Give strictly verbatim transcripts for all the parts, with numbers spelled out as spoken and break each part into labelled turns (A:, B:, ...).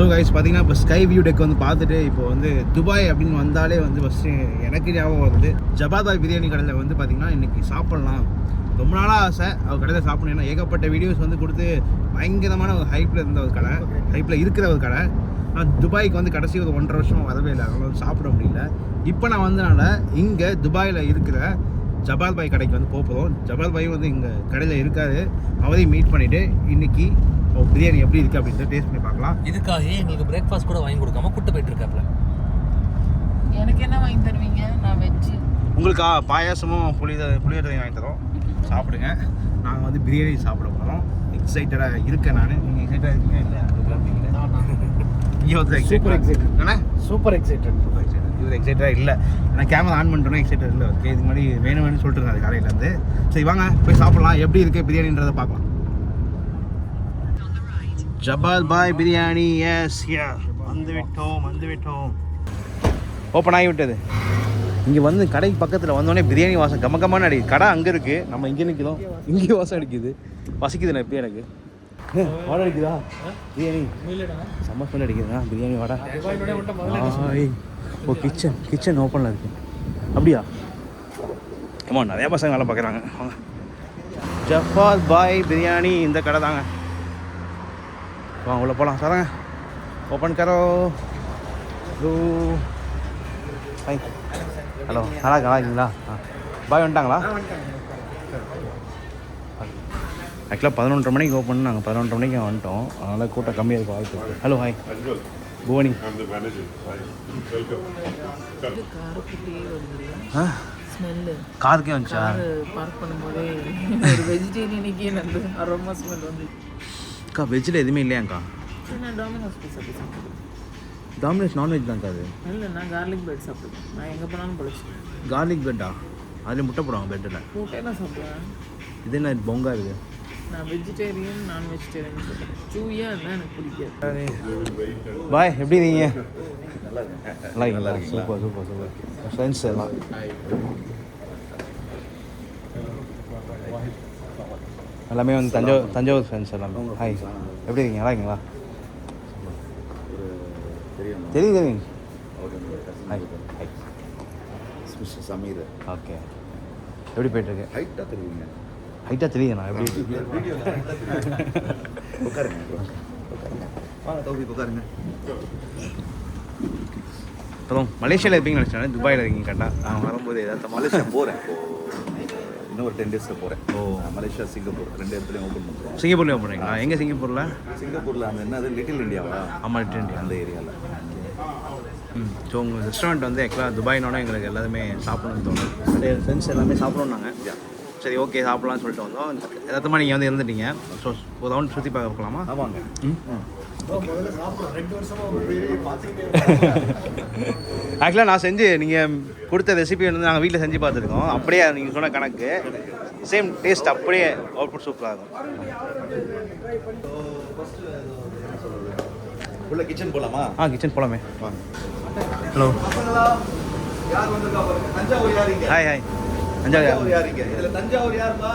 A: So guys பார்த்தீங்கன்னா இப்போ sky view tech வந்து பார்த்துட்டு இப்போ வந்து துபாய் அப்படின்னு வந்தாலே வந்து ஃபஸ்ட்டு எனக்கு ஞாபகம் வந்து ஜபாதாய் பிரியாணி கடையில் வந்து பார்த்திங்கன்னா இன்றைக்கி சாப்பிட்லாம் ரொம்ப நாளாக ஆசை அவர் கடையில் சாப்பிடணும். ஏன்னா ஏகப்பட்ட வீடியோஸ் வந்து கொடுத்து பயங்கரமான ஒரு ஹைப்பில் இருந்த ஒரு கடை, ஹைப்பில் இருக்கிற ஒரு கடை. நான் துபாய்க்கு வந்து கடைசி ஒரு ஒன்றரை வருஷமாக வரவே இல்லை, அதனால வந்து சாப்பிட முடியல. இப்போ நான் வந்தனால இங்கே துபாயில் இருக்கிற ஜபால் பாய் கடைக்கு வந்து போகிறோம். ஜபால் பாய் வந்து இங்கே கடையில் இருக்காது, அவரையும் மீட் பண்ணிவிட்டு இன்றைக்கி பிரியாணி எப்படி இருக்குது அப்படின்ட்டு டேஸ்ட் பண்ணி பார்க்கலாம்.
B: இதுக்காக எங்களுக்கு பிரேக்ஃபாஸ்ட் கூட வாங்கி கொடுக்காம கூட்டு போயிட்டு இருக்காப்ல.
C: எனக்கு என்ன வாங்கி தருவீங்க? நான் வெஜ்ஜு.
A: உங்களுக்கு பாயாசமும் புளி புளியோதரையும் வாங்கி தரோம், சாப்பிடுங்க. நாங்கள் வந்து பிரியாணி சாப்பிட போகிறோம். எக்ஸைட்டடாக இருக்கேன் நான். நீங்கள் எக்ஸைட்டாக இருக்கீங்க இல்லையா? இங்கே வந்து
C: சூப்பர் எக்ஸைட்டட்.
A: என்ன
C: சூப்பர் எக்ஸைட்டட்
A: சூப்பர் எக்ஸைட்டட் இவர் எக்ஸைட்டடாக இல்லை. நான் கேமரா ஆன் பண்ணிட்டோன்னா எக்ஸைட்டட் இல்லை. ஓகே, இது மாதிரி வேணும் வேணும்னு சொல்லிட்டு இருந்தேன் அது காலையிலேருந்து. சரி வாங்க போய் சாப்பிட்லாம். எப்படி இருக்குது பிரியாணின்றதை பார்க்கலாம். ஜபால் பாய் பிரியாணி. எஸ் யா, வந்து விட்டோம் வந்து விட்டோம் ஓப்பன் ஆகி விட்டது. இங்கே வந்து கடைக்கு பக்கத்தில் வந்தோடனே பிரியாணி வாசம் கம கமான அடிக்குது. கடை அங்கே இருக்குது, நம்ம இங்கே நிற்கிறோம், இங்கே வாசம் அடிக்குது. பசிக்குது நான் இப்போ எனக்கு வாடை அடிக்குதா பிரியாணி? செம்ம ஸ்மெல் அடிக்குதுண்ணா பிரியாணி வாடா. ஓ கிச்சன் கிச்சன் ஓப்பனில் இருக்குது அப்படியா? ஆமாம், நிறையா பசங்க வேலை பார்க்குறாங்க. ஜபால் பாய் பிரியாணி இந்த கடை தாங்க. வாங்க உள்ள போகலாம். சாராங்க ஓப்பன் கரோ. ஹாய், ஹலோ, நல்லா நல்லா இருக்கீங்களா? ஆ பாய் வந்துட்டாங்களா? ஆக்சுவலாக பதினொன்றரை மணிக்கு ஓப்பன், நாங்கள் பதினொன்றரை மணிக்கு வந்துட்டோம், அதனால் கூட்டம் கம்மியாக இருக்கும் வாய்ப்பு இருக்குது. Hello hi புவனி. ஆ காருக்கே வந்துச்சா?
C: பார்க் பண்ணும்போதே ஒரு வெஜிடேரியனுக்கே நல்ல அரோமா ஸ்மெல் வந்து.
A: அக்கா வெஜ்ஜில் எதுவுமே இல்லையாங்க்கா?
C: நான் டாமினோஸ் பீஸ் அப்படி சாப்பிடுவேன்.
A: டாமினோஸ் நான்வெஜ் தான்க்கா அது?
C: இல்லை, நான் கார்லிக் பிரெட் சாப்பிடுவேன். நான் எங்கே போனாலும் பொழிச்சு.
A: கார்லிக் பிரெட்டா? அதில் முட்டை போடுவாங்க பிரெட்டில்.
C: முட்டையெல்லாம் சாப்பிடுவேன். இது
A: என்ன பொங்கா இருக்குது?
C: நான் வெஜிடேரியன் நான் வெஜிடேரியன் சொல்லுவேன். சூயாக இருந்தால் எனக்கு பிடிக்காது.
A: பாய் எப்படி இருக்கீங்க? நல்லா இருக்கு நல்லா இருக்கு. Super super super. ஃப்ரெண்ட்ஸ் எல்லாம் எல்லாமே வந்து தஞ்சாவூர் தஞ்சாவூர் ஃப்ரெண்ட்ஸ் எல்லாமே. ஹாய் எப்படி இருக்கீங்க? நல்லா இருக்கீங்களா? தெரியும் தெரியும். Hi hi
D: mister Sameer.
A: Okay, எப்படி போயிட்டுருக்கு?
D: ஹைட்டாக தெரியுங்க.
A: ஹைட்டாக தெரியுதுண்ணா எப்படி?
D: உட்காருங்க உட்காருங்க வாங்க தோபி உட்காருங்க.
A: அப்புறம் மலேசியாவில் இருப்பீங்கன்னு நினச்சேன், துபாயில் இருக்கீங்க கரெக்டாக. நான் வரும்போது ஏதாவது
D: மலேசியா போகிறேன், இன்னும் ஒரு டென் டேஸில் போகிறேன்.
A: ஓ,
D: மலேசியா சிங்கப்பூர் ரெண்டு இடத்துலையும் ஓப்பன் பண்ணுறோம்.
A: சிங்கப்பூர்லேயும் ஓப்பன் பண்ணுறீங்களா? எங்கே சிங்கப்பூரில்?
D: சிங்கப்பூரில் அந்த என்னது லிட்டில் இந்தியாவா?
A: ஆமாம், லிட்டில் இந்தியா
D: அந்த ஏரியாவில்.
A: ம். ஸோ உங்கள் ரெஸ்டாரண்ட் வந்து ஆக்சுவலாக துபாயினோட எங்களுக்கு எல்லாருமே சாப்பிடணும்னு தோணுது. ஃப்ரெண்ட்ஸ் எல்லாமே சாப்பிடணுன்னாங்க. சரி ஓகே சாப்பிட்லான்னு சொல்லிட்டு வந்தோம். எதார்த்தமாக நீங்கள் வந்து இருந்துட்டீங்க. ஸோ ஒரு ரவுண்ட் சுற்றி பார்க்க போகலாமா?
D: ஆமாங்க.
A: ம் ஆக்சுவலாக நான் செஞ்சு நீங்கள் கொடுத்த ரெசிபி வந்து நாங்கள் வீட்டில் செஞ்சு பார்த்துருக்கோம். அப்படியே நீங்கள் சொன்ன கணக்கு சேம் டேஸ்ட், அப்படியே அவுட்புட் சூப்பராக இருக்கும்.
D: உள்ள கிச்சன் போகலாமா?
A: ஆ கிச்சன் போகலாமே.
D: வாங்க.
A: ஹலோ,
D: யார் வந்திருக்கா பாருங்க. தஞ்சாவூர் யாருங்க?
A: Hi hi. தஞ்சாவூர்
D: யாருங்க? இதில் தஞ்சாவூர் யாருப்பா?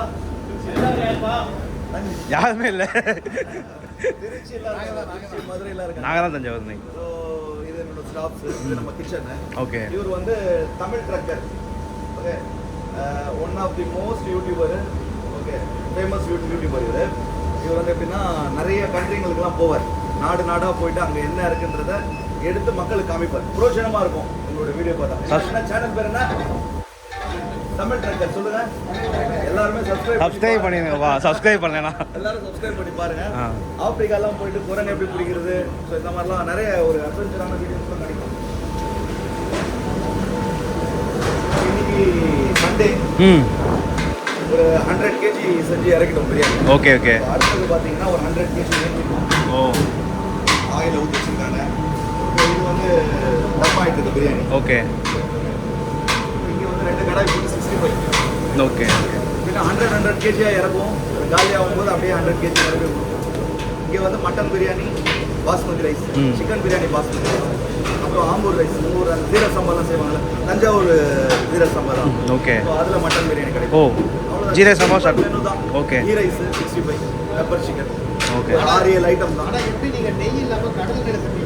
A: யாருமே இல்லை,
D: திருச்சி மதுரையில் இருக்காங்க.
A: நாங்கள் தான் தஞ்சாவூர். நீங்கள்
D: ஸோ இது என்னோட ஸ்டாஃப்ஸ், இது நம்ம கிச்சனு.
A: ஓகே.
D: இவர் வந்து Tamil Trekker. Okay, one of the most YouTuber. Okay, famous YouTuber இவர். இவர் வந்து எப்படின்னா நிறைய கண்ட்ரிங்களுக்குலாம் போவார். நாடு நாடாக போயிட்டு அங்கே என்ன இருக்குன்றத எடுத்து மக்களுக்கு காமிப்பார். புரோஜனமாக இருக்கும் உங்களோட வீடியோ பார்த்தா. என்ன சேனல் பேர் என்ன? தமிழ் ட்ரக்கர். சொல்லுங்க எல்லாருமே சப்ஸ்கிரைப்
A: சப்ஸ்கிரைப் பண்ணிடுங்க. வா சப்ஸ்கிரைப் பண்ணேனா
D: எல்லாரும் சப்ஸ்கிரைப் பண்ணி பாருங்க. ஆப்பிரிக்காலாம் போயிட்டு குரங்கு எப்படி பிடிக்கிறது, ஸோ இந்த மாதிரிலாம் நிறைய ஒரு அட்வென்ச்சரான வீடியோஸ்லாம் கிடைக்கும். இன்னைக்கு சண்டே
A: ம்
D: ஒரு ஹண்ட்ரட் கேஜி செஞ்சு இறக்கிட்டோம் பிரியாணி.
A: Okay okay.
D: அடுத்தது பார்த்தீங்கன்னா ஒரு ஹண்ட்ரட் கேஜி
A: ஓ
D: ஆயில் ஊற்றி வச்சுருக்காங்க. இது வந்து டப் ஆகிட்டு இருக்கு பிரியாணி.
A: ஓகே.
D: இங்கே வந்து ரெண்டு கடாய் போட்டு சிக்ஸ்டி ஃபைவ்.
A: ஓகே.
D: பின்ன ஹண்ட்ரட் ஹண்ட்ரட் கேஜியாக இறக்கும். காலி ஆகும்போது அப்படியே ஹண்ட்ரட் கேஜி இறக்கி கொடுக்கும். இங்கே வந்து mutton biryani basmati rice, chicken biryani basmati rice, அப்புறம் ஆம்பூர் ரைஸ், ஊர் அந்த ஜீரக சம்பாலாம் செய்வாங்கல்ல, தஞ்சாவூர் ஜீரக சம்பா தான்.
A: ஓகே.
D: ஸோ அதில் மட்டன் பிரியாணி கிடைக்கும்.
A: Oh jeeraga samba sir.
D: Menu தான்.
A: Okay.
D: Ghee rice, sixty five, pepper chicken.
A: Okay.
D: ஆறு ஏழு ஐட்டம் தான்.
E: ஆனால் எப்படி நீங்கள் நெய் இல்லாமல் கடல் கடை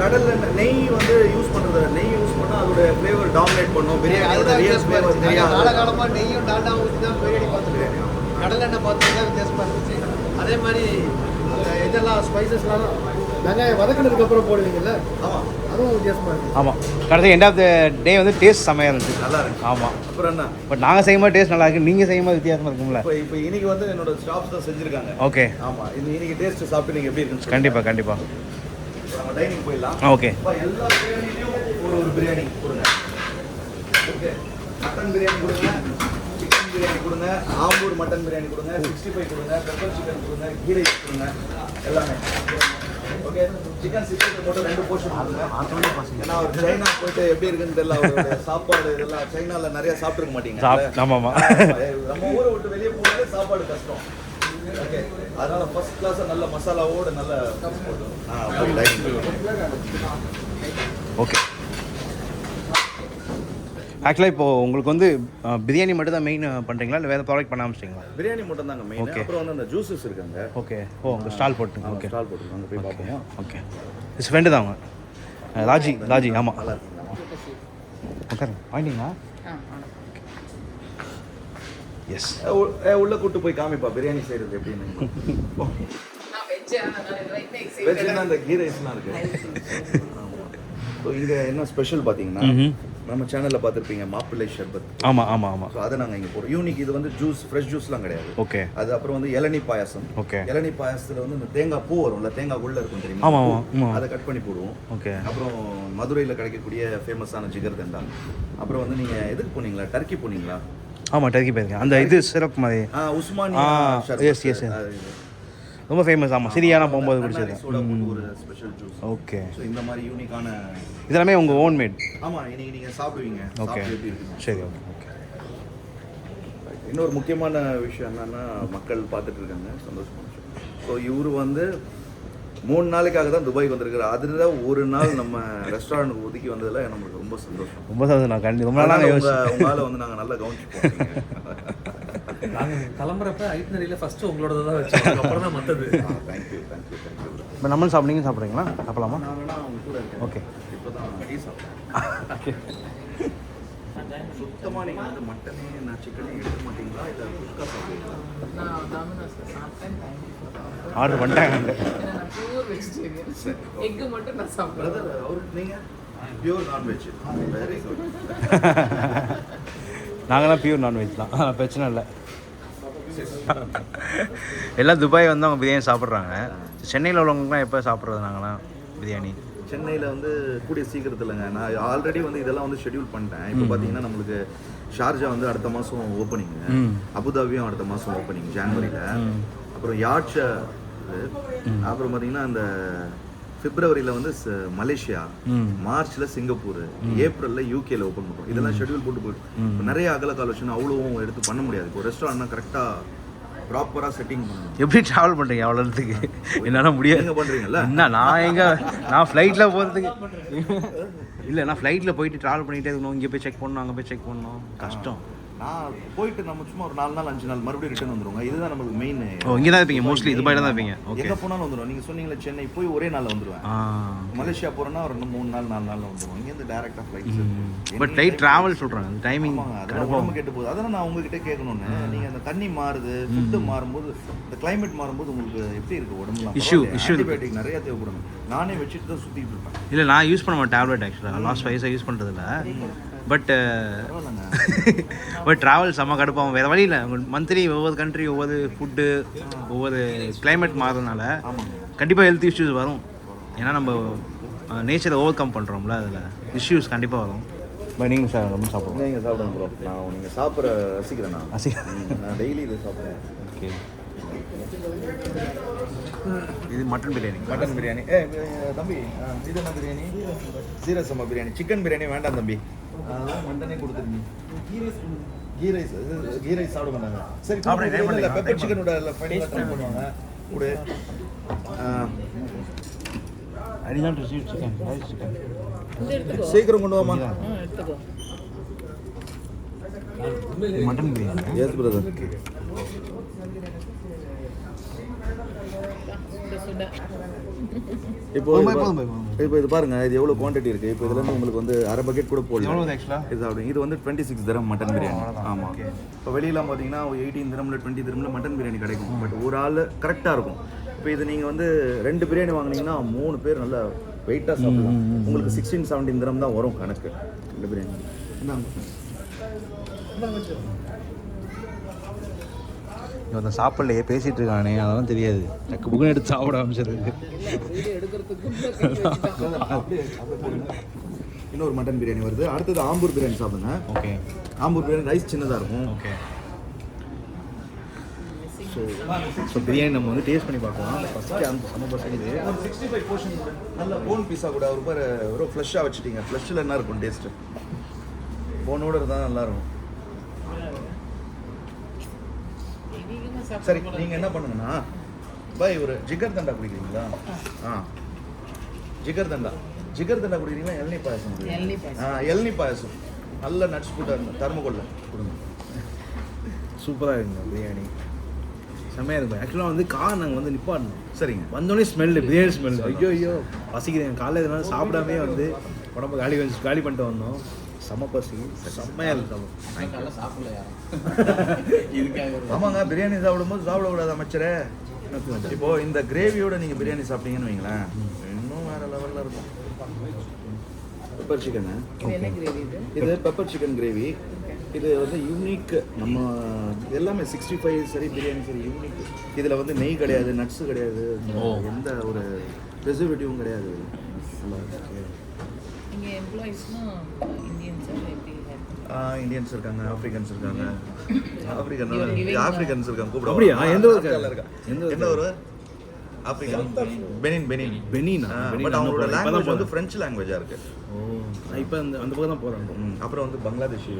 D: கடல்ல நெய் வந்து யூஸ் பண்றது நெய் யூஸ் பண்ணா அதோட ஃப்ளேவர் டாமினேட் பண்ணும் பிரியாணியோட ரியல் ஃப்ளேவர் தெரியாது.
E: காலகாலமாக நெய்யும் டால்டா ஊற்றி தான் பிரியாணி பார்த்துருக்கேன். கடலெண்ணெய் பார்த்துருந்தா வித்தியாசமாக இருந்துச்சு. அதே மாதிரி அந்த இதெல்லாம் ஸ்பைசஸ்லாம் வெங்காயம் வதக்கினதுக்கு அப்புறம் போடுவீங்கல்ல,
D: ஆமா
E: அதுவும் வித்தியாசமாக இருக்குது.
A: ஆமாம் கடைசி எண்ட் ஆஃப் த டே வந்து டேஸ்ட் செம்மையாக இருந்துச்சு.
D: நல்லா இருக்கு.
A: ஆமாம்
D: அப்புறம் என்ன
A: பட் நாங்கள் செய்யும்போது டேஸ்ட் நல்லா இருக்கு, நீங்கள் செய்யும்போது வித்தியாசமாக இருக்கும்ல.
D: இப்போ இப்போ இன்னைக்கு வந்து என்னோட ஸ்டாஃப்ஸ் தான் செஞ்சிருக்காங்க.
A: ஓகே
D: ஆமா இது இன்னைக்கு டேஸ்ட் சாப்பிட்டு நீங்க எப்படி இருக்குன்னு
A: கண்டிப்பாக கண்டிப்பாக
D: நம்ம டைனிங் போயிடலாம்.
A: ஓகே
D: அப்ப எல்லா பிரியாணிலையும் ஒரு ஒரு பிரியாணி கொடுங்க. ஓகே மட்டன் பிரியாணி கொடுங்க, சிக்கன் பிரியாணி கொடுங்க, ஆம்பூர் மட்டன் பிரியாணி கொடுங்க, சிக்ஸ்டி ஃபைவ் கொடுங்க, பெப்பர் சிக்கன் கொடுங்க, கீ ரைஸ் கொடுங்க, எல்லாமே. ஓகே சிக்கன் சிக்ஸ்டி ஃபைவ் மட்டும் ரெண்டு போர்ஷன் கொடுங்க. ஏன்னா அவர் சைனா போயிட்டு எப்படி இருக்குன்னு தெரியல, அவருடைய சாப்பாடு இதெல்லாம் சைனால நிறைய சாப்பிட்டுருக்க மாட்டீங்க.
A: சாப் ஆமாம் ஆமாம்
D: நம்ம ஊரை விட்டு வெளியே போனாலே சாப்பாடு கஷ்டம். ஓகே அதனால ஃபர்ஸ்ட் கிளாஸாக நல்ல மசாலாவோட நல்ல
A: ஓகே. ஆக்சுவலாக இப்போது உங்களுக்கு வந்து அஹ், பிரியாணி மட்டும் தான் மெயின் பண்ணுறீங்களா இல்லை வேறு ப்ராடக்ட் பண்ண ஆரம்பிச்சிங்களா?
D: பிரியாணி மட்டும் தாங்க மெயின்.
A: Okay.
D: அப்புறம் வந்து அந்த ஜூஸஸ் இருக்காங்க.
A: ஓகே ஓ உங்கள் ஸ்டால் போட்டுங்க. ஓகே
D: ஸ்டால் போட்டுருக்காங்க போய் பார்ப்போம்.
A: ஓகே இஸ் ஃப்ரெண்டு தான் அவங்க அஹ், ராஜி ராஜி ஆமாம்.
D: நல்லா இருக்குங்க.
A: ஓகே வாங்கிட்டீங்களா? எஸ்
D: ஏ, உ- ஏ, உள்ள கூட்டு போய் காமிப்பா பிரியாணி செய்யறது எப்படின்னு. வெஜ்னா அந்த கீ ரைஸ்லாம் இருக்கு. ஸோ இங்கே என்ன ஸ்பெஷல் பார்த்தீங்கன்னா நம்ம சேனலில் பார்த்துருப்பீங்க மாப்பிள்ளை ஷர்பத்.
A: ஆமாம் ஆமாம் ஆமாம்.
D: ஸோ அதை நாங்கள் இங்கே போடுறோம். யூனிக் இது வந்து ஜூஸ் ஃப்ரெஷ் ஜூஸ்லாம் கிடையாது.
A: ஓகே
D: அது அப்புறம் வந்து இளநீ பாயாசம்.
A: ஓகே
D: இளநீ பாயாசத்தில் வந்து இந்த தேங்காய் பூ வரும்ல, தேங்காய் உள்ள இருக்கும் தெரியுமா?
A: ஆமாம் ஆமாம் ஆமாம்.
D: அதை கட் பண்ணி போடுவோம்.
A: ஓகே
D: அப்புறம் மதுரையில் கிடைக்கக்கூடிய ஃபேமஸான ஜிகர் தண்டா. அப்புறம் வந்து நீங்கள் எதுக்கு போனீங்களா, டர்க்கி போனீங்களா?
A: ஆமாம் டர்க்கி போயிருக்கேன். அந்த இது சிறப்பு மாதிரி
D: ஆ உஸ்மானி
A: ஆ,
D: ஷர்பத்.
A: yes, yes, yes.
D: அது இது.
A: ரொம்ப ஃபேமஸ். ஆமாம் சிரியானா போகும்போது
D: நன்னாரி
A: குடிச்சது.
D: சோடா போட்டு ஒரு ஸ்பெஷல் ஜூஸ்.
A: ஓகே
D: ஸோ இந்த மாதிரி யூனிக்கான
A: இதெல்லாமே உங்கள் ஓன் மேட்?
D: ஆமா இன்னைக்கு நீங்க சாப்பிடுவீங்க.
A: ஓகே
D: சாப்பிட்டு எப்படி இருக்கு?
A: சரி ஓகே ஓகே.
D: இன்னொரு முக்கியமான விஷயம் என்னன்னா மக்கள் பார்த்துட்டு இருக்காங்க, சந்தோஷமான விஷயம். ஸோ இவரு வந்து மூணு நாளைக்காக தான் துபாய்க்கு வந்திருக்காரு. அதில் ஒரு நாள் நம்ம ரெஸ்டாரண்ட் ஒதுக்கி வந்ததில் நமக்கு ரொம்ப சந்தோஷம்.
A: ரொம்ப சந்தோஷம். நான் கண்டி ரொம்ப நாளாக யோசிச்சு
D: உங்களால் வந்து நாங்கள் நல்லா கவனிச்சுப்போம்.
B: நாங்கள் கிளம்புறப்ப ஐட்னரியில் ஃபஸ்ட்டு உங்களோட தான் வச்சோம், அப்புறம் தான் மற்றது.
D: Thank you thank you thank you.
A: இப்போ நம்மளும் சாப்பிட்டீங்க சாப்பிட்றீங்களா? சாப்பிடலாமா?
D: நான் வேணா அவங்க கூட இருக்கேன்.
A: ஓகே
D: இப்போ தான் டீ சாப்பிட்டேன். சுத்தமாக நீங்கள் வந்து மட்டனே நான் சிக்கனே எடுக்க மாட்டீங்களா இல்லை குஸ்கா சாப்பிடுவீங்களா?
C: நான் டாமினோஸ்ல சாப்பிட்டேன்.
A: ஆர்டர் பண்ணிட்டாங்க.
C: ஏன்னா நான் பியூர் வெஜிடேரியன். எக்கு மட்டும் நான் சாப்பிடுறேன்.
D: பிரதர் அவருக்கு நீங்கள் பியூர் நான்வெஜ். Very good.
A: நாங்களாம் பியூர் நான்வெஜ் தான், பிரச்சனை இல்லை. எல்லாம் துபாய் வந்து அவங்க பிரியாணி சாப்பிட்றாங்க. சென்னையில் உள்ளவங்களுக்குலாம் எப்போ சாப்பிட்றது நாங்களாம் பிரியாணி?
D: சென்னையில் வந்து கூடிய சீக்கிரத்தில்ங்க. நான் ஆல்ரெடி வந்து இதெல்லாம் வந்து ஷெட்யூல் பண்ணிட்டேன். இப்போ பார்த்தீங்கன்னா நம்மளுக்கு ஷார்ஜா வந்து அடுத்த மாதம் ஓப்பனிங்கு, அபுதாபியும் அடுத்த மாதம் ஓப்பனிங் ஜான்வரியில், அப்புறம் யாட்சா, அப்புறம் பார்த்தீங்கன்னா அந்த பிப்ரவரியில் வந்து மலேசியா, மார்ச்சில் சிங்கப்பூர், ஏப்ரலில் யூகேல ஓப்பன் பண்ணுறோம். இதெல்லாம் ஷெட்யூல் போட்டு போயிட்டு நிறைய அகல காலோஷன் அவ்வளோவும் எடுத்து பண்ண முடியாது. இப்போ ரெஸ்டாரண்ட்னா கரெக்டாக ப்ராப்பராக செட்டிங் பண்ணணும்.
A: எப்படி ட்ராவல் பண்ணுறீங்க அவ்வளோ இடத்துக்கு? என்னால் முடியாது.
D: நீங்கள் பண்ணுறீங்கல்ல?
A: என்ன நான் எங்கே நான் ஃப்ளைட்டில் போகிறதுக்கு இல்லை, நான் ஃப்ளைட்டில் போயிட்டு ட்ராவல் பண்ணிகிட்டே இருக்கணும். இங்கே போய் செக் பண்ணணும், அங்கே போய் செக் பண்ணணும், கஷ்டம்.
D: நான் போயிட்டு நம்ம சும்மா ஒரு நாலு நாள் அஞ்சு நாள் மறுபடியும் ரிட்டர்ன் வந்துருவோங்க. இதுதான் நம்மளுக்கு மெயின்.
A: ஓ இங்கே தான் இருப்பீங்க மோஸ்ட்லி? துபாயில் தான் இருப்பீங்க? ஓகே.
D: எங்கே போனாலும் வந்துடும். நீங்கள் சொன்னீங்களே சென்னை போய் ஒரே நாளில் வந்துடுவேன்.
A: ஆ
D: மலேசியா போகிறோன்னா ஒரு ரெண்டு மூணு நாள் நாலு நாளில் வந்துடுவோம். இங்கேருந்து டேரெக்டாக ஃப்ளைட்ஸ்.
A: பட் ஃப்ளைட் ட்ராவல் சொல்கிறாங்க, அந்த டைமிங்
D: அதெல்லாம் உடம்பு கெட்டு போகுது. அதெல்லாம் நான் உங்ககிட்ட கேட்கணுன்னு. நீங்கள் அந்த தண்ணி மாறுது, ஃபுட்டு மாறும்போது, இந்த கிளைமேட் மாறும்போது உங்களுக்கு எப்படி இருக்குது உடம்புலாம்?
A: Issue, issue இருக்கு.
D: ஆன்டிபயோட்டிக் நிறைய தேவைப்படும். நானே வச்சுட்டு தான் சுற்றிட்டு இருப்பேன்.
A: இல்லை நான் யூஸ் பண்ண மாட்டேன் டேப்லெட். ஆக்சுவலாக லாஸ்ட் ஃபைவ் இயர்ஸாக யூஸ் பண்ணுறதில்ல. பட் பட் ட்ராவல் செம்ம கடுப்பாகும். வேறு வழி இல்லை. மந்த்லி ஒவ்வொரு கண்ட்ரி, ஒவ்வொரு ஃபுட்டு, ஒவ்வொரு கிளைமேட் மாறுறதுனால கண்டிப்பாக ஹெல்த் இஷ்யூஸ் வரும். ஏன்னா நம்ம நேச்சரை ஓவர் கம் பண்ணுறோம்ல, அதில் இஷ்யூஸ் கண்டிப்பாக வரும். பட் நீங்கள் சார் ரொம்ப சாப்பிடுவோம்.
D: நீங்கள் சாப்பிடுங்க ப்ரோ. நான் நீங்கள் சாப்பிட்ற ரசிக்கிறேன். நான்
A: அசி
D: நான் டெய்லி இதை சாப்பிட்றேன்.
A: ஓகே. இது மட்டன் பிரியாணி.
D: மட்டன் பிரியாணி. ஏ தம்பி, இது என்ன பிரியாணி? ஜீரா சம்பா பிரியாணி. சிக்கன் பிரியாணி வேண்டாம் தம்பி, அதெல்லாம் மட்டனே கொடுத்துருங்க. கீ ரைஸ் கீ ரைஸ் சாப்பிட மாட்டாங்க. சரி இல்லை, பெப்பர் சிக்கனோட ஃபைனலாக ட்ரை பண்ணுவாங்க கூட.
A: அடிதான் ரிசீவ் சிக்கன் ரைஸ் சிக்கன்
D: சீக்கிரம் கொண்டு வாமா.
C: எடுத்துக்கோ.
A: மட்டன் பிரியாணி.
D: Yes brother.
C: சுட சுட
D: இப்போ இப்போ இது பாருங்க, இது எவ்வளோ குவான்டிட்டி இருக்குது. இப்போ இதுலேருந்து உங்களுக்கு வந்து அரை பக்கெட் கூட போடலாம்
A: ஆக்சுவலாக
D: இது அப்படி. இது வந்து டுவெண்ட்டி சிக்ஸ் திரம் மட்டன் பிரியாணி. ஆமாம். இப்போ வெளியெல்லாம் பார்த்தீங்கன்னா எயிட்டீன் திரமில் டுவெண்ட்டி திரமில் மட்டன் பிரியாணி கிடைக்கும். பட் ஒரு ஆள் கரெக்டாக இருக்கும். இப்போ இது நீங்கள் வந்து ரெண்டு பிரியாணி வாங்கினீங்கன்னா மூணு பேர் நல்லா வெயிட்டாக சாப்பிடலாம். உங்களுக்கு சிக்ஸ்டீன் செவன்டீன் திரம் தான் வரும் கணக்கு ரெண்டு பிரியாணி.
A: இவன் சாப்பிடலையே பேசிகிட்டு இருக்கானே, அதெல்லாம் தெரியாது. டக்கு புக்குன்னு எடுத்து சாப்பிட ஆரம்பிச்சிருக்கு.
D: இன்னொரு மட்டன் பிரியாணி வருது. அடுத்தது ஆம்பூர் பிரியாணி சாப்பிடுங்க.
A: ஓகே.
D: ஆம்பூர் பிரியாணி ரைஸ் சின்னதாக இருக்கும்.
A: ஓகே. ஸோ ஸோ பிரியாணி நம்ம வந்து டேஸ்ட் பண்ணி பார்க்கலாம். ஃபஸ்ட்டு அந்த செம்ம பசங்க
D: ஒரு சிக்ஸ்டி ஃபைவ் போர்ஷன் நல்ல போன் பீஸாக கூட ஒரு பேர் ஒரு ஃப்ளஷ்ஷாக வச்சுட்டீங்க. ஃப்ளஷ்ஷில் என்ன இருக்கும் டேஸ்ட்டு? போனோட இருந்தால் நல்லாயிருக்கும். சரி, நீங்கள் என்ன பண்ணுங்கன்னா பாய் ஒரு ஜிகர் தண்டா குடிக்கிறீங்களா? ஆ ஜிகர் தண்டா ஜிகர் தண்டா குடிக்கிறீங்களா? இளநீ பாயசம். ஆ இளநீ பாயசம் நல்ல நட்ஸ் போட்டு தர்மக்கொள்ள கொடுங்க.
A: சூப்பராக இருக்குங்க பிரியாணி, செம்மையாக இருக்கும். ஆக்சுவலாக வந்து கார் நாங்கள் வந்து நிப்பாடணும்.
D: சரிங்க.
A: வந்தோடனே ஸ்மெல்லு, பிரியாணி ஸ்மெல். ஐயோ ஐயோ பசிக்குது. காலையில் இதனால சாப்பிடாமே வந்து உடம்பு காலி வச்சு காலி பண்ணிட்டு வந்தோம். செம்ம பசி, செம்மையாக இருக்கும்.
D: ஆமாங்க, பிரியாணி சாப்பிடும்போது சாப்பிடக்கூடாது அமைச்சரே. இப்போ இந்த கிரேவியோட நீங்கள் பிரியாணி சாப்பிட்டீங்கன்னு வைங்களேன், இன்னும் வேற லெவலில் இருக்கும். பெப்பர் சிக்கனு இது பெப்பர் சிக்கன் கிரேவி. இது வந்து யூனிக். நம்ம எல்லாமே சிக்ஸ்டி ஃபைவ் சரி பிரியாணி சரி யூனிக். இதில் வந்து நெய் கிடையாது, நட்ஸு கிடையாது, எந்த ஒரு ப்ரிசர்வேட்டிவும் கிடையாது. இந்தியன்ஸ் இருக்காங்க, ஆப்பிரிக்கன்ஸ் இருக்காங்க. ஆப்பிரிக்கன் ஆப்பிரிக்கன்ஸ் இருக்காங்க. கூப்பிட
A: அப்படியா? எந்த ஊருக்கு
D: இருக்கா? எந்த ஊர்? African Benin. பெனின்
A: பெனினா?
D: பட் அவங்களோட லாங்குவேஜ் வந்து ஃப்ரெஞ்ச் லாங்குவேஜாக இருக்குது.
A: ஓ, நான் இப்போ அந்த அந்த பக்கம் தான் போகிறேன்.
D: அப்புறம் வந்து பங்களாதேஷி.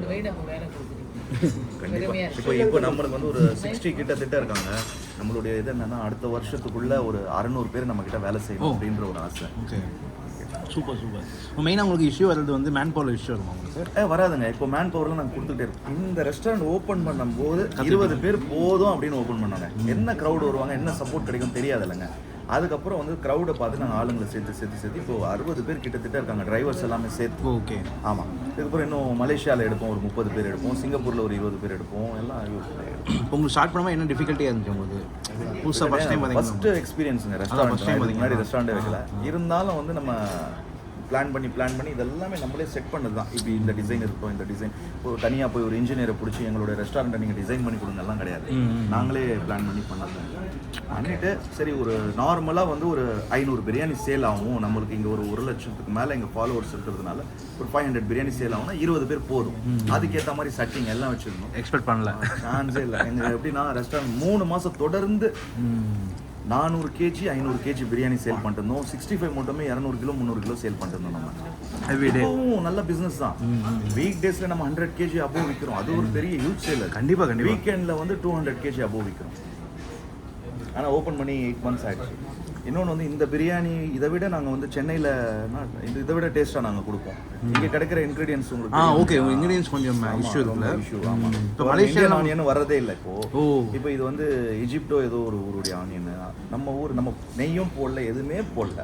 C: கண்டிப்பாக.
D: இப்போ இப்போ நம்மளுக்கு வந்து ஒரு சிக்ஸ்டி கிட்டத்தட்ட இருக்காங்க. நம்மளுடைய இது என்னன்னா அடுத்த வருஷத்துக்குள்ள ஒரு அறுநூறு பேர் நம்ம கிட்ட வேலை செய்யணும் அப்படின்ற ஒரு ஆசை.
A: Okay, super super. மெயினாக உங்களுக்கு இஷ்யூ வர்றது வந்து மேன் பவர் இஷ்யூ இருக்கும் உங்களுக்கு?
D: ஏ வராதுங்க. இப்போ மேன் பவர்லாம் நாங்கள் கொடுத்துட்டே இருக்கோம். இந்த ரெஸ்டாரண்ட் ஓப்பன் பண்ணும்போது இருபது பேர் போதும் அப்படின்னு ஓப்பன் பண்ணாங்க. என்ன க்ரௌட் வருவாங்க, என்ன சப்போர்ட் கிடைக்கும் தெரியாது இல்லைங்க. அதுக்கப்புறம் வந்து க்ரௌடை பார்த்து நாங்கள் ஆளுங்களை சேர்த்து சேர்த்து சேர்த்து இப்போ அறுபது பேர் கிட்டத்தட்ட இருக்காங்க, டிரைவர்ஸ் எல்லாமே சேர்த்து.
A: ஓகே.
D: ஆமாம். இதுக்கப்புறம் இன்னும் மலேசியாவில் எடுப்போம், ஒரு முப்பது பேர் எடுப்போம். சிங்கப்பூரில் ஒரு இருபது பேர் எடுப்போம். எல்லாம்
A: இப்போ உங்களுக்கு ஸ்டார்ட் பண்ணாமல் என்ன டிஃபிகல்ட்டியாக இருந்துச்சு உங்களுக்கு? புதுசாக ஃபஸ்ட் டைம்
D: ஃபஸ்ட்டு எக்ஸ்பீரியன்ஸுங்க ரெஸ்டாரண்ட். ஃபஸ்ட் டைம் முன்னாடி ரெஸ்டாரண்ட்டே வைக்கல. இருந்தாலும் வந்து நம்ம பிளான் பண்ணி பிளான் பண்ணி இதெல்லாமே நம்மளே செட் பண்ணது தான். இப்படி இந்த டிசைன் இருக்கும், இந்த டிசைன் இப்போ தனியாக போய் ஒரு இன்ஜினியரை பிடிச்சி எங்களோட ரெஸ்டாரண்ட்டை நீங்கள் டிசைன் பண்ணி கொடுங்கலாம் கிடையாது. நாங்களே பிளான் பண்ணி பண்ணது பண்ணிவிட்டு சரி ஒரு நார்மலாக வந்து ஒரு ஐநூறு பிரியாணி சேல் ஆகும். நம்மளுக்கு இங்கே ஒரு ஒரு லட்சத்துக்கு மேலே எங்கள் ஃபாலோவர்ஸ் இருக்கிறதுனால ஒரு ஃபைவ் ஹண்ட்ரட் பிரியாணி சேல் ஆகும்னா இருபது பேர் போதும். அதுக்கேற்ற மாதிரி செட்டிங் எல்லாம் வச்சுருந்தோம்.
A: எக்ஸ்பெக்ட் பண்ணல,
D: சான்ஸே இல்லை. எங்கள் எப்படின்னா ரெஸ்டாரண்ட் மூணு மாதம் தொடர்ந்து நானூறு கேஜி ஐநூறு கேஜி பிரியாணி சேல் பண்ணிருந்தோம். சிக்ஸ்டி ஃபைவ் மட்டுமே இரநூறு கிலோ முந்நூறு கிலோ சேல் பண்ணிருந்தோம். நம்ம எவ்ரிடே நல்ல பிஸ்னஸ் தான். வீக் டேஸில் நம்ம ஹண்ட்ரட் கேஜி அபோவ் விற்கிறோம். அது ஒரு பெரிய யூஸ் சேல்.
A: கண்டிப்பாக கண்டிப்பாக.
D: வீக்கெண்டில் வந்து டூ ஹண்ட்ரட் கேஜி அபோவ் விற்கிறோம். ஆனால் ஓப்பன் பண்ணி எயிட் மந்த்ஸ் ஆகிடுச்சு. இன்னொன்று வந்து இந்த பிரியாணி இதை விட நாங்கள் வந்து சென்னையில் இது இதை விட டேஸ்ட்டாக நாங்கள் கொடுப்போம். இங்கே கிடைக்கிற இன்க்ரீடியன்ஸ் உங்களுக்கு.
A: ஆ ஓகே, இன்க்ரீடியன்ஸ் கொஞ்சம் இஷ்யூ இருக்குல்ல?
D: இஷ்யூ. ஆமாம். இப்போ மலேசியன் ஆனியன் வரதே இல்லை இப்போது. ஓ, இப்போ இது வந்து ஈஜிப்டோ ஏதோ ஒரு ஊருடைய ஆனியன். நம்ம ஊர் நம்ம நெய்யும் போடல, எதுவுமே போடல.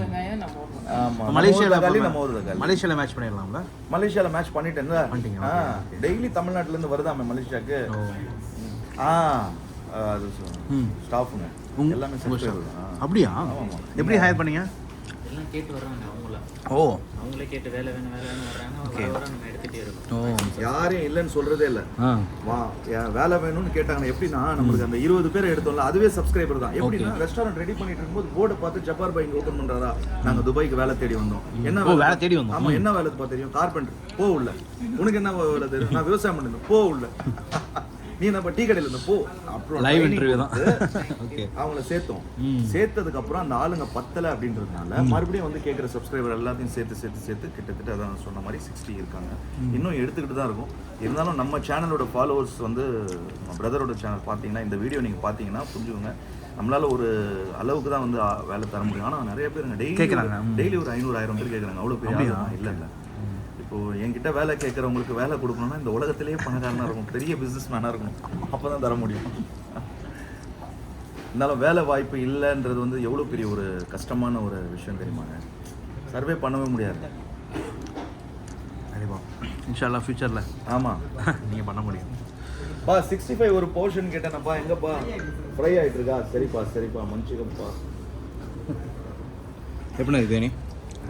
D: ஆமாம், மலேசியாவில் நம்ம ஊர் தக்காளி.
A: மலேசியாவில் மேட்ச் பண்ணிடலாம்ல?
D: மலேசியாவில் மேட்ச் பண்ணிட்டேன்ல. ஆ டெய்லி தமிழ்நாட்டிலேருந்து வருதாமே மலேசியாவுக்கு. ஆ அது ஸ்டாஃபுங்க எல்லாமே
A: அப்படியா? எப்படி ஹையர் பண்ணீங்க?
F: எல்லாம் கேட்டு வர்றாங்க அவங்கள.
A: ஓ,
F: அவங்களே கேட்டு வேலை வேணும் வேலை வேணும் வர்றாங்க. வர வர நம்ம எடுத்துகிட்டே இருக்கோம்.
D: ஓ, யாரையும் இல்லைன்னு சொல்கிறதே இல்லை. வா வேலை வேணும்னு கேட்டாங்க. எப்படின்னா நம்மளுக்கு அந்த இருபது பேர் எடுத்தோம்ல அதுவே சப்ஸ்கிரைபர் தான். எப்படின்னா ரெஸ்டாரண்ட் ரெடி பண்ணிட்டு இருக்கும்போது போர்டை பார்த்து ஜப்பார் பாய் இங்கே ஓப்பன் பண்ணுறாரா, நாங்கள் துபாய்க்கு வேலை தேடி வந்தோம். என்ன
A: வேலை தேடி வந்தோம்?
D: ஆமாம். என்ன வேலை பார்த்து தெரியும்? கார்பெண்டர். போ உள்ள. உனக்கு என்ன வேலை தெரியும்? நான் விவசாயம் பண்ணிருந்தேன். போ உள்ள. நீ நம்ம டீ கடையில் இருந்த போ. அப்புறம்
A: லைவ் இன்டர்வியூ தான்.
D: ஓகே, அவங்கள சேர்த்தோம். சேர்த்ததுக்கு அப்புறம் அந்த ஆளுங்க பத்தலை அப்படின்றதுனால மறுபடியும் வந்து கேட்குற சப்ஸ்கிரைபர் எல்லாத்தையும் சேர்த்து சேர்த்து சேர்த்து கிட்டத்தட்ட அதான் சொன்ன மாதிரி சிக்ஸ்டி இருக்காங்க. இன்னும் எடுத்துக்கிட்டு தான் இருக்கும். இருந்தாலும் நம்ம சேனலோட ஃபாலோவர்ஸ் வந்து பிரதரோட சேனல் பார்த்தீங்கன்னா இந்த வீடியோ நீங்கள் பார்த்தீங்கன்னா புரிஞ்சுக்கோங்க, நம்மளால ஒரு அளவுக்கு தான் வந்து வேலை தர முடியும். ஆனால் நிறைய பேருங்க டெய்லி கேட்குறாங்க. டெய்லி ஒரு ஐநூறு ஆயிரம் பேர் கேட்குறாங்க. அவ்வளோ பெரிய இல்லை இல்லை. இப்போது என்கிட்ட வேலை கேட்குறவங்களுக்கு வேலை கொடுக்கணும்னா இந்த உலகத்திலேயே பணக்காரனாக இருக்கும், பெரிய பிஸ்னஸ் மேனாக இருக்கணும். அப்போ தான் தர முடியும். இருந்தாலும் வேலை வாய்ப்பு இல்லைன்றது வந்து எவ்வளோ பெரிய ஒரு கஷ்டமான ஒரு விஷயம் தெரியுமாங்க. சர்வே பண்ணவே முடியாது.
A: கண்டிப்பாக இன்ஷால்லா ஃபியூச்சரில்
D: ஆமாம்
A: நீங்கள் பண்ண முடியும்.
D: பா சிக்ஸ்டி ஃபைவ் ஒரு போர்ஷன் கேட்டேனப்பா, எங்கப்பா ஃப்ரை ஆகிட்டு இருக்கா? சரிப்பா சரிப்பா மன்னிச்சுக்கப்பா.
A: எப்படின்னா இது தேனி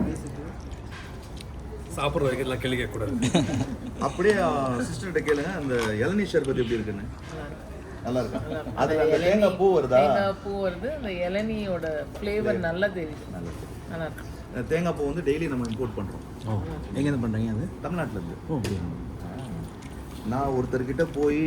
B: சாப்பிட்ற வரைக்கும் எல்லாம் கேள்வி கேட்கக்கூடாது.
D: அப்படியே சிஸ்டர்கிட்ட கேளுங்க, அந்த இளநீ ஷர்பத் எப்படி இருக்குன்னு. நல்லா இருக்கா? அதில் அந்த தேங்காய் பூ வருதா?
C: தேங்காய் பூ வருது, அந்த இளநியோட ஃப்ளேவர் நல்லா தெரியுது. நல்லா இருக்கு.
D: தேங்காய் பூ வந்து டெய்லி நம்ம இம்போர்ட் பண்ணுறோம்.
A: ஓ எங்கேருந்து பண்ணுறீங்க அது?
D: தமிழ்நாட்டிலேருந்து.
A: ஓ அப்படியா?
D: நான் ஒருத்தர்கிட்ட போய்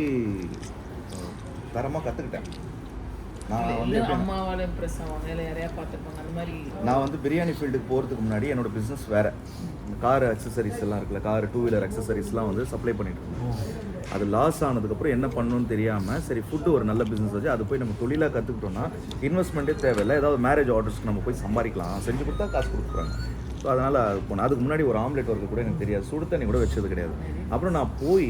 D: தரமாக கற்றுக்கிட்டேன். நான் வந்து
C: இல்லை அம்மாவால் இம்ப்ரெஸ் ஆவாங்க, இல்லை யாரையா பார்த்துருப்பாங்க அந்த மாதிரி.
D: நான் வந்து பிரியாணி ஃபீல்டுக்கு போகிறதுக்கு முன்னாடி என்னோட பிஸ்னஸ் வேறு. கார் அக்சசரிஸ் எல்லாம் இருக்குல்ல, கார் டூ வீலர் அக்சசரிஸ்லாம் வந்து சப்ளை பண்ணிட்டு இருந்தோம். அது லாஸ் ஆனதுக்கப்புறம் என்ன பண்ணணும்னு தெரியாமல் சரி ஃபுட்டு ஒரு நல்ல பிஸ்னஸ் வச்சு அது போய் நம்ம தொழிலாக கற்றுக்கிட்டோம்னா இன்வெஸ்ட்மெண்ட்டே தேவையில்லை. ஏதாவது மேரேஜ் ஆர்டர்ஸ்க்கு நம்ம போய் சம்பாதிக்கலாம், செஞ்சு கொடுத்தா காசு கொடுக்குறாங்க. ஸோ அதனால் அது போனேன். அதுக்கு முன்னாடி ஒரு ஆம்லெட் ஒர்க்கு கூட எனக்கு தெரியாது, சுடு தண்ணி கூட வச்சது கிடையாது. அப்புறம் நான் போய்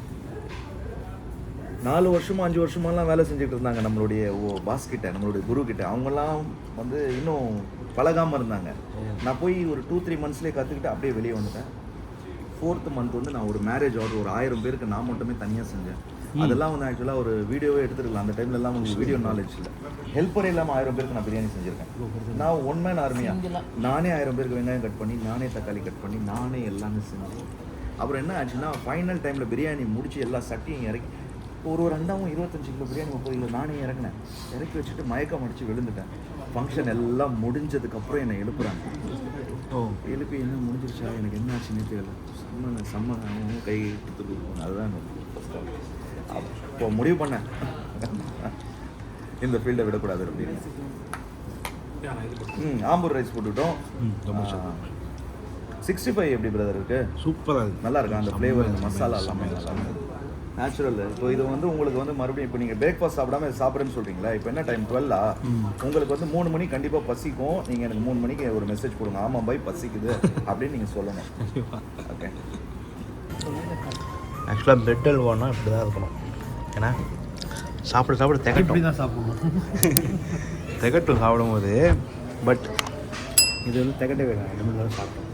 D: நாலு வருஷமா அஞ்சு வருஷமாலாம் வேலை செஞ்சுட்டு இருந்தாங்க நம்மளுடைய ஓ பாஸ் கிட்ட, நம்மளுடைய குரு கிட்ட. அவங்கெல்லாம் வந்து இன்னும் பழகாமல் இருந்தாங்க. நான் போய் ஒரு டூ த்ரீ மந்த்ஸ்லேயே கற்றுக்கிட்டு அப்படியே வெளியே வந்துட்டேன். ஃபோர்த்து மந்த் வந்து நான் ஒரு மேரேஜ் ஆர்டர் ஒரு ஆயிரம் பேருக்கு நான் மட்டுமே தனியாக செஞ்சேன். அதெல்லாம் வந்து ஆக்சுவலாக ஒரு வீடியோவே எடுத்துருக்கலாம். அந்த டைம்ல எல்லாம் உங்களுக்கு வீடியோ நாலேஜ் இல்லை. ஹெல்ப்பரே இல்லாமல் ஆயிரம் பேருக்கு நான் பிரியாணி செஞ்சுருக்கேன். நான் ஒன் மேன் ஆர்மியாக நானே ஆயிரம் பேருக்கு வெங்காயம் கட் பண்ணி, நானே தக்காளி கட் பண்ணி, நானே எல்லாமே செஞ்சேன். அப்புறம் என்ன ஆச்சுன்னா ஃபைனல் டைமில் பிரியாணி முடிச்சு எல்லா சட்டியும் இறக்கி ஒரு ஒரு ரெண்டாவும் இருபத்தஞ்சு கிலோ பிரியாணி முப்பது கிலோ நானே இறங்கினேன். இறக்கி வச்சுட்டு மயக்கம் அடித்து விழுந்துட்டேன். ஃபங்க்ஷன் எல்லாம் முடிஞ்சதுக்கப்புறம் என்னை எழுப்புறாங்க. ஓ எழுப்பி என்ன முடிஞ்சிருச்சா, எனக்கு என்ன ஆச்சுன்னு தெரியல. செம்ம செம்ம கை கொடுத்து கொடுக்கணும். அதுதான் ஃபஸ்ட் ஆஃப். அப்போ முடிவு பண்ணேன் இந்த ஃபீல்டை விடக்கூடாது அப்படின்னு. ம் ஆம்பூர் ரைஸ் போட்டுக்கிட்டோம். சிக்ஸ்டி ஃபைவ் எப்படி பிரதர் இருக்கு?
A: சூப்பராக இருக்குது.
D: நல்லா இருக்கா அந்த ஃப்ளேவர், இந்த மசாலா எல்லாமே நல்லா நேச்சுரல். இப்போ இது வந்து உங்களுக்கு வந்து மறுபடியும் இப்போ நீங்கள் பிரேக்ஃபாஸ்ட் சாப்பிடாம இது சாப்பிட்றேன்னு சொல்கிறீங்களா? இப்போ என்ன டைம் டுவெல்லா? உங்களுக்கு வந்து மூணு மணி கண்டிப்பாக பசிக்கும். நீங்கள் எனக்கு மூணு மணிக்கு ஒரு மெசேஜ் கொடுங்க, ஆமாம் பாய் பசிக்குது அப்படின்னு நீங்கள் சொல்லணும். ஓகே.
A: ஆக்சுவலாக பிரெட் அல்வானா இப்படி தான் இருக்கணும். ஏன்னா சாப்பிட சாப்பிட திகட்டும்
E: தான் சாப்பிடணும்.
A: திகட்டும் சாப்பிடும்போது. பட் இது வந்து திகட்ட வேணும். ரெண்டு மணி நேரம் சாப்பிட்டோம்.